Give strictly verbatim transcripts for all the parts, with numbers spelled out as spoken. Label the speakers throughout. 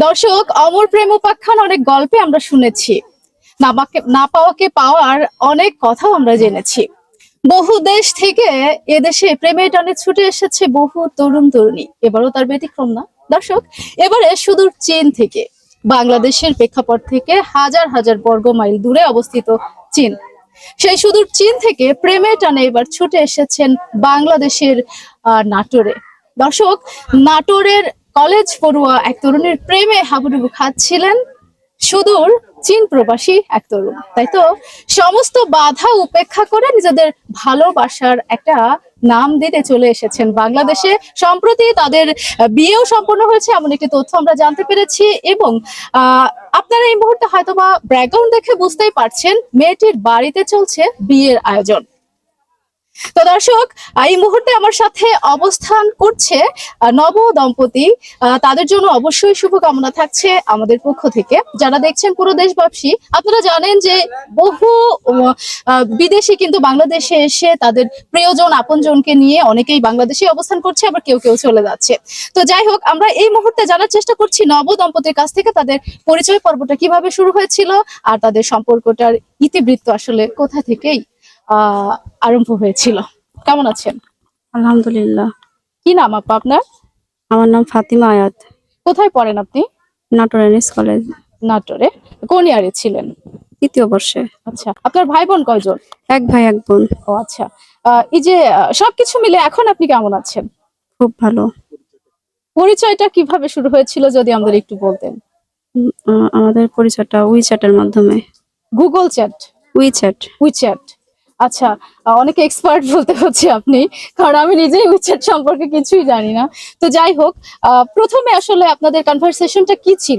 Speaker 1: দর্শক, অমর প্রেম উপাখ্যান অনেক গল্পে আমরা শুনেছি, না পাকে- না পাওয়াকে পাওয়ার অনেক কথাও আমরা জেনেছি। বহু দেশ থেকে এদেশে প্রেমের টানে ছুটে এসেছে বহু তরুণ তরুণী, এবারও তার ব্যতিক্রম না। দর্শক, এবারে সুদূর চীন থেকে, বাংলাদেশের প্রেক্ষাপট থেকে হাজার হাজার বর্গ মাইল দূরে অবস্থিত চীন, সেই সুদূর চীন থেকে প্রেমের টানে এবার ছুটে এসেছেন বাংলাদেশের আহ নাটোরে। দর্শক, নাটোরের কলেজ পড়ুয়া এক তরুণীর প্রেমে হাবুডুবু খাচ্ছিলেন সুদূর চীন প্রবাসী এক তরুণ। তাই তো সমস্ত বাধা উপেক্ষা করে নিজেদের ভালোবাসার একটা নাম দিতে চলে এসেছেন বাংলাদেশে। সম্প্রতি তাদের আহ, বিয়েও সম্পন্ন হয়েছে এমন একটি তথ্য আমরা জানতে পেরেছি। এবং আহ আপনারা এই মুহূর্তে হয়তোবা ব্যাকগ্রাউন্ড দেখে বুঝতেই পারছেন, মেয়েটির বাড়িতে চলছে বিয়ের আয়োজন। তো দর্শক, এই মুহূর্তে আমার সাথে অবস্থান করছে আহ, নব দম্পতি। আহ, তাদের জন্য অবশ্যই শুভকামনা থাকছে আমাদের পক্ষ থেকে। যারা দেখছেন পুরো দেশবাসী, আপনারা জানেন যে বহু উম, আহ, বিদেশি কিন্তু বাংলাদেশে এসে তাদের প্রিয়জন আপনজনকে নিয়ে অনেকেই বাংলাদেশে অবস্থান করছে, আবার কেউ কেউ চলে যাচ্ছে। তো যাই হোক, আমরা এই মুহূর্তে জানার চেষ্টা করছি নব দম্পতির কাছ থেকে তাদের পরিচয় পর্বটা কিভাবে শুরু হয়েছিল আর তাদের সম্পর্কটার ইতিবৃত্ত আসলে কোথা থেকেই আহ আরম্ভ হয়েছিল। কেমন আছেন?
Speaker 2: আলহামদুলিল্লাহ।
Speaker 1: কি নাম আপা আপনার?
Speaker 2: আমার নাম ফাতিমা আয়াত।
Speaker 1: কোথায় পড়েন আপনি?
Speaker 2: নাটোর এনএস কলেজ,
Speaker 1: নাটোরে। কোন ইয়ারে ছিলেন?
Speaker 2: তৃতীয় বর্ষে।
Speaker 1: আচ্ছা, আপনার ভাই বোন কয়জন?
Speaker 2: এক ভাই এক বোন।
Speaker 1: ও আচ্ছা। আহ, এই যে আহ, সবকিছু মিলে এখন আপনি কেমন আছেন?
Speaker 2: খুব ভালো।
Speaker 1: পরিচয়টা কিভাবে শুরু হয়েছিল যদি আমাদের একটু বলতেন।
Speaker 2: উম, আহ, আমাদের পরিচয়টা উইচ্যাটের মাধ্যমে।
Speaker 1: Google chat?
Speaker 2: উইচ্যাট।
Speaker 1: উইচ্যাট। আচ্ছা, আহ, অনেকে এক্সপার্ট বলতে হচ্ছে আপনি, কারণ আমি নিজেই উইচ্যাট সম্পর্কে কিছুই জানি না। তো যাই হোক, আহ, প্রথমে আসলে আপনাদের কনভারসেশনটা কি ছিল?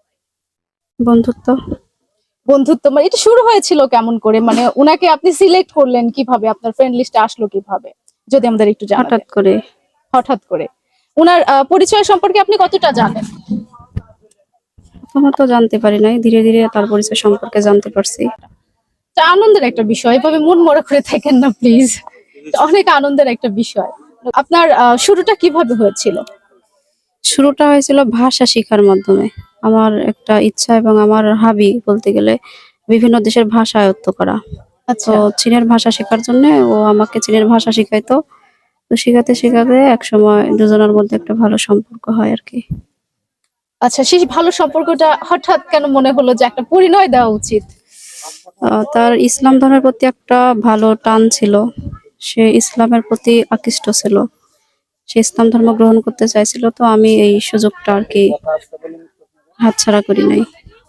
Speaker 2: বন্ধুত্ব।
Speaker 1: বন্ধুত্ব মানে এটা শুরু হয়েছিল কেমন করে, মানে উনাকে আপনি সিলেক্ট করলেন কিভাবে, আপনার ফ্রেন্ড লিস্টে আসলো কিভাবে, যদি আমাদের একটু জানাতেন।
Speaker 2: হঠাৎ করে।
Speaker 1: হঠাৎ করে। উনার আহ, পরিচয় সম্পর্কে আপনি কতটা জানেন?
Speaker 2: প্রথমত জানতে পারি নাই, ধীরে ধীরে তার পরিচয় সম্পর্কে জানতে পারছি।
Speaker 1: এটা আনন্দের একটা বিষয়, এভাবে মন মরা করে থাকেন না প্লিজ। অনেক আনন্দের একটা বিষয়। আপনার আহ, শুরুটা কিভাবে হয়েছিল?
Speaker 2: শুরুটা হয়েছিল ভাষা শেখার মাধ্যমে। আমার একটা ইচ্ছা এবং আমার হাবি বলতে গেলে বিভিন্ন দেশের ভাষা আয়ত্ত করা। তো
Speaker 1: আচ্ছা
Speaker 2: চীনের ভাষা শেখার জন্য ও আমাকে চীনের ভাষা শিখাইতো। তো শেখাতে শেখাতে এক সময় দুজনের মধ্যে একটা ভালো সম্পর্ক হয় আর কি।
Speaker 1: আচ্ছা, সেই ভালো সম্পর্কটা হঠাৎ কেন মনে হলো যে একটা পরিণয় দেওয়া উচিত?
Speaker 2: আহ, তার ইসলাম ধর্মের প্রতি একটা ভালো টান ছিল। সে ইসলামের প্রতি আকৃষ্ট ছিল। সে ইসলাম ধর্ম গ্রহণ করতে চাইছিল, তো আমি এই সুযোগটা আর কি হাতছাড়া করি নাই।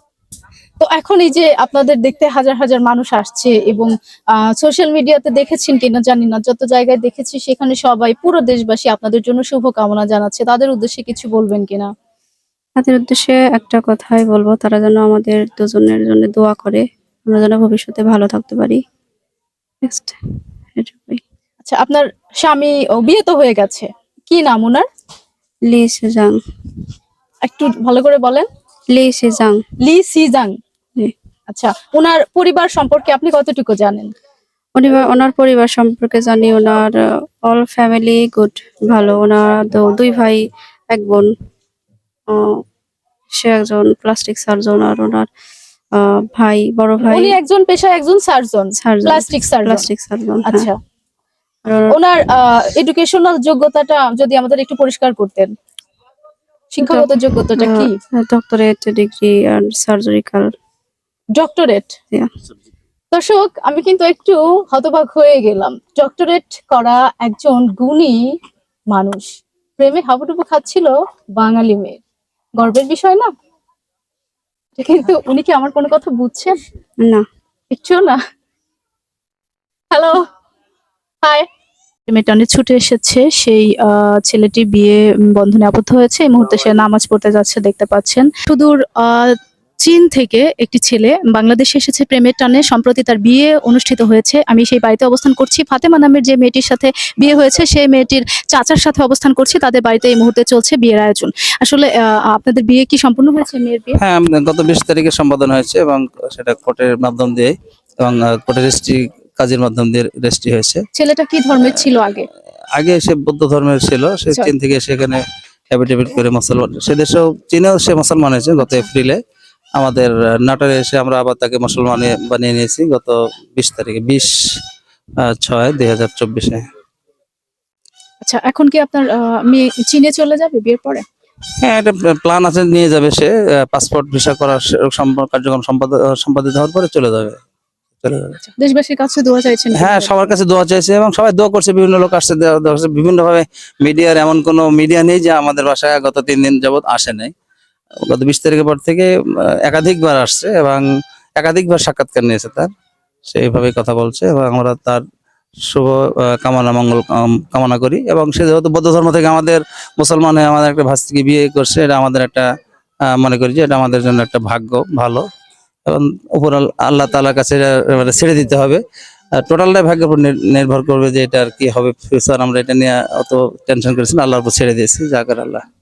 Speaker 1: তো এখন এই যে আপনাদের দেখতে হাজার হাজার মানুষ আসছে এবং সোশ্যাল মিডিয়াতে দেখেছেন কিনা জানি না, যত জায়গায় দেখেছি সেখানে সবাই পুরো দেশবাসী আপনাদের জন্য শুভকামনা জানাচ্ছে, তাদের উদ্দেশ্যে কিছু বলবেন কিনা?
Speaker 2: তাদের উদ্দেশ্যে একটা কথাই বলবো, তারা যেন আমাদের দুজনের জন্য দোয়া করে, আমরা যেন ভবিষ্যতে ভালো থাকতে পারি। Next, এটুকুই।
Speaker 1: আচ্ছা, আপনার স্বামী ও বিয়ে তো হয়ে গেছে, কি নাম ওনার?
Speaker 2: লি সেজাং।
Speaker 1: একটু ভালো করে বলেন।
Speaker 2: লি সেজাং।
Speaker 1: লি সিজাং।
Speaker 2: জি।
Speaker 1: আচ্ছা, ওনার পরিবার সম্পর্কে আপনি কতটুকু জানেন?
Speaker 2: পরিবার, ওনার পরিবার সম্পর্কে জানি, ওনার অল ফ্যামিলি গুড, ভালো। ওনার দু- দুই ভাই এক বোন। আহ, সে একজন প্লাস্টিক সার্জন, আর ওনার আহ, ভাই, বড় ভাই
Speaker 1: উনি একজন পেশায় একজন surgeon,
Speaker 2: surgeon,
Speaker 1: plastic surgeon.
Speaker 2: Plastic surgeon.
Speaker 1: আচ্ছা,
Speaker 2: আর ওনার
Speaker 1: ওনার এডুকেশনাল যোগ্যতাটা যদি আমাদের একটু পরিষ্কার করতেন, শিক্ষাগত যোগ্যতাটা কি?
Speaker 2: ডক্টরেট ডিগ্রি আর সার্জারিক্যাল।
Speaker 1: ডক্টরেট। দর্শক, আমি কিন্তু একটু হতবাক হয়ে গেলাম। ডক্টরেট করা একজন গুণী মানুষ প্রেমে হাবুডুবু খাচ্ছিল বাঙালি মেয়ে, গর্বের বিষয় না? কিন্তু উনি কি আমার কোনো কথা বুঝছেন?
Speaker 2: না।
Speaker 1: একটু না। Hello, hi. মেয়েটা অনেক ছুটে এসেছে, সেই আহ, ছেলেটি বিয়ে বন্ধনে আবদ্ধ হয়েছে, এই মুহূর্তে সে নামাজ পড়তে যাচ্ছে, দেখতে পাচ্ছেন। সুদূর আহ চীন থেকে একটি ছেলে বাংলাদেশে এসেছে প্রেমের টানে, সম্প্রতি তার বিয়ে অনুষ্ঠিত হয়েছে। আমি সেই বাড়িতে অবস্থান করছি, ফাতেমা নামের যে মেয়েটির সাথে বিয়ে হয়েছে সেই মেয়েটির চাচার সাথে অবস্থান করছি, তাদের বাড়িতে এই মুহূর্তে চলছে বিয়ের আয়োজন। আসলে আহ, আপনাদের বিয়ে কি সম্পূর্ণ হয়েছে, মেয়ের বিয়ে?
Speaker 3: হ্যাঁ, আম- গত বিশ তারিখে সম্পাদন হয়েছে এবং সেটা কোর্টের মাধ্যম দিয়ে এবং কোর্টের রেজিস্ট্রি কাজের মাধ্যম দিয়ে রেজিস্ট্রি হয়েছে।
Speaker 1: ছেলেটা কি ধর্মের ছিল আগে?
Speaker 3: আগে সে বৌদ্ধ ধর্মের ছিল, সে
Speaker 1: আচ্ছা।
Speaker 3: চীন থেকে সেখানে হ্যাবিটেবিট করে মুসলমান, সে দেশেও চীনেও সে মুসলমান হয়েছে গত এপ্রিলে। আমাদের আহ, নাটোরে এসে আমরা আবার তাকে মুসলমান বানিয়ে নিয়েছি গত বিশ তারিখে, বিশ আহ, ছয় দুই হাজার চব্বিশে।
Speaker 1: আচ্ছা, এখন কি আপনার আহ, মেয়ে চীনে চলে যাবে বিয়ের পরে?
Speaker 3: হ্যাঁ, একটা প্ল্যান আছে, নিয়ে যাবে সে। পাসপোর্ট ভিসা করার সে- সম্প- কার্যক্রম সম্পাদ- সম্পাদিত হওয়ার পরে চলে যাবে চলে যাবে
Speaker 1: দেশবাসীর কাছে দোয়া চাইছেন?
Speaker 3: হ্যাঁ, সবার কাছে দোয়া চাইছে এবং সবাই দোয়া করছে, বিভিন্ন লোক আসছে, দোয়া- দোয়া করছে। বিভিন্নভাবে মিডিয়ার এমন কোনো মিডিয়া নেই যে আমাদের বাসায় গত তিন দিন যাবত আসে নাই। গত বিশ তারিখের পর থেকে আহ, একাধিকবার আসছে এবং একাধিকবার সাক্ষাৎকার নিয়েছে তার, সেইভাবে কথা বলছে এবং আমরা তার শুভ আহ, কামনা মঙ্গল কাম- কামনা করি। এবং সে যেহেতু বৌদ্ধ ধর্ম থেকে আমাদের মুসলমান হয়ে আমাদের একটা ভাস্তিকে বিয়ে করছে, এটা আমাদের একটা আহ, মনে করি যে এটা আমাদের জন্য একটা ভাগ্য ভালো, এবং উপর আল- আল্লাহ তাআলার কাছে এটা মানে ছেড়ে দিতে হবে। টোটালটাই ভাগ্যের উপর নির- নির্ভর করবে যে এটা আর কি হবে ফিউচার। আমরা এটা নিয়ে অত টেনশন করেছি না, আল্লাহর উপর ছেড়ে দিয়েছি, যা করে আল্লাহ।